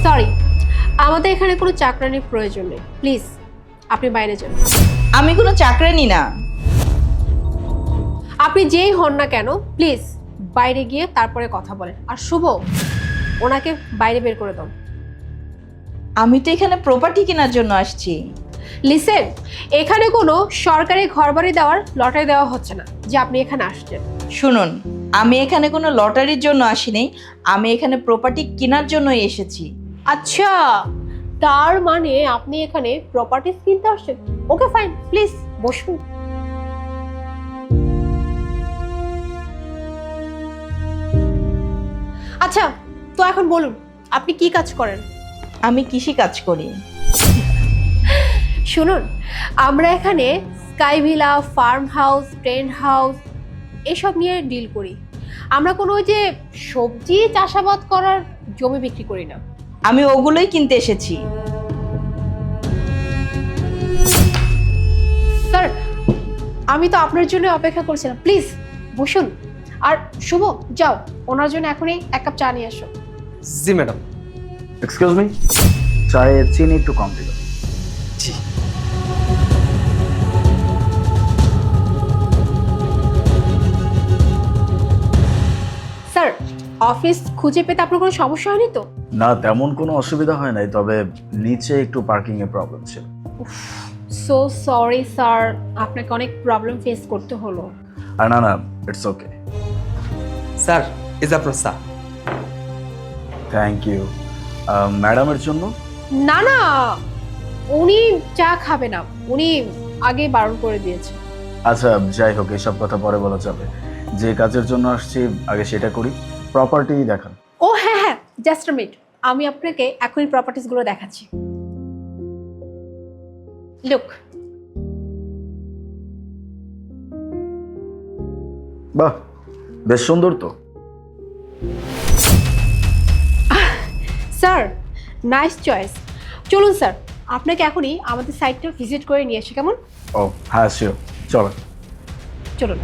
Sorry, আমাদের এখানে কোনো চাকরানির প্রয়োজন নেই, প্লিজ আপনি বাইরে যান। আমি কোনো চাকরানি না। আপনি যেই হন না কেন প্লিজ বাইরে গিয়ে তারপরে কথা বলেন। আর শুভ, ওনাকে বাইরে বের করে দাও। আমি তো এখানে প্রপার্টি কেনার জন্য আসছি। লিসেন, এখানে কোনো সরকারি ঘরবাড়ি দেওয়ার লটারি দেওয়া হচ্ছে না যে আপনি এখানে আসছেন। শুনুন, আমি এখানে কোনো লটারির জন্য আসিনি, আমি এখানে প্রপার্টি কেনার জন্যই এসেছি। আচ্ছা, তার মানে আপনি এখানে প্রপার্টিজ কিনতে আসছেন। ওকে ফাইন, প্লিজ বসুন। আচ্ছা, তো এখন বলুন আপনি কি কাজ করেন? আমি কৃষি কাজ করি। শুনুন, আমরা এখানে sky villa, farm house, tent house এসব নিয়ে ডিল করি। আমরা কোনো ওই যে সবজি চাষাবাদ করার জমি বিক্রি করি না। আমি ওগুলোই কিনতে এসেছি। স্যার, আমি তো আপনার জন্য অপেক্ষা করছিলাম, প্লিজ বসুন। আর শুভ, যাও ওনার জন্য এখনই এক কাপ চা নিয়ে আসো। জি ম্যাডাম। এক্সকিউজ মি, চায়ে চিনি একটু কম দিল। জি। স্যার, অফিস খুঁজে পেতে আপনার কোনো সমস্যা হয়নি তো? না, তেমন কোনো অসুবিধা হয় নাই, তবে নিচে একটু পার্কিং এর প্রবলেম ছিল। সো সরি স্যার, আপনাকে অনেক প্রবলেম ফেস করতে হলো। আর না, ইটস ওকে। স্যার, ইজ আপনার চা। Thank you. ম্যাডামের জন্য? না না, উনি চা খাবে না, উনি আগে বারণ করে দিয়েছে। আচ্ছা, যাই হোক, এসব কথা পরে বলা যাবে। যে কাজের জন্য আসছি আগে সেটা করি। প্রপার্টি দেখান। ও হ্যাঁ হ্যাঁ, জাস্ট আ মিনিট, আমি আপনাকে এখনই প্রপার্টিজগুলো দেখাচ্ছি। লুক। বাহ, বেশ সুন্দর তো। Sir, nice choice. চলুন স্যার, আপনাকে এখনই আমাদের সাইটটা ভিজিট করে নিয়ে আসি, কেমন? ও হ্যাঁ, শিওর, চলো। চলুন।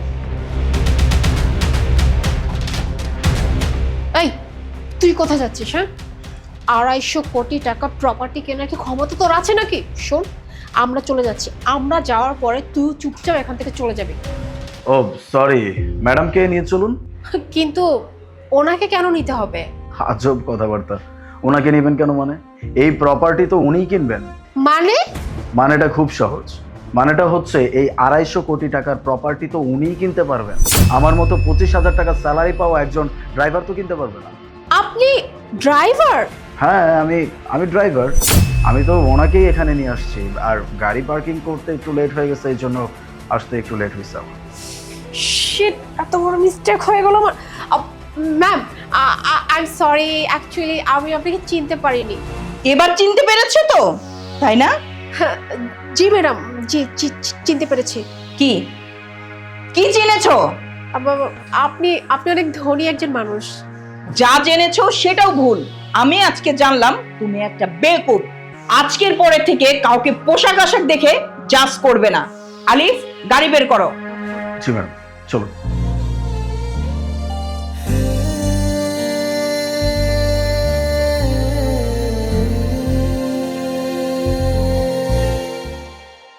এই, তুই কোথায় যাচ্ছিস? হ্যাঁ, 250 কোটি টাকা প্রপার্টি কেনার কি ক্ষমতা তোর আছে নাকি? শোন, আমরা চলে যাচ্ছি, আমরা যাওয়ার পরে তুই চুপচাপ এখান থেকে চলে যাবি। ও সরি, ম্যাডামকে নিয়ে চলুন। কিন্তু ওনাকে কেন নিতে হবে? আজব কথাবার্তা। ওনাকে নেবেন কেন মানে? এই প্রপার্টি তো উনিই কিনবেন। মানে? মানেটা খুব সহজ। মানেটা হচ্ছে এই 250 কোটি টাকার প্রপার্টি তো উনিই কিনতে পারবেন। আমার মতো 25,000 টাকা স্যালারি পাওয়া একজন ড্রাইভার তো কিনতে পারবে না। আপনি ড্রাইভার? হ্যাঁ, আমি ড্রাইভার। আমি তো ওনাকেই এখানে নিয়ে আসছি। আর গাড়ি পার্কিং করতে একটু লেট হয়ে গেছে, এই জন্য আসতে একটু লেট হয়েছে আমার। শিট, এত বড় মিস্টেক হয়ে গেল আমার। Ma'am, I am sorry, actually আমি আপনাকে চিনতে পারিনি। এবার চিনতে পেরেছো তো, তাই না? হ্যাঁ, জি ম্যাডাম, জি চিনতে পেরেছি। কি কি চিনেছো? আপনি আপনি অনেক ধনী একজন মানুষ। যা জেনেছো সেটাও ভুল। আমি আজকে জানলাম তুমি একটা বেকুব। আজকের পরে থেকে কাউকে পোশাক আশাক দেখে জাজ করবে না। আলিফ, গাড়ি বের করো। জি ম্যাডাম, চলো।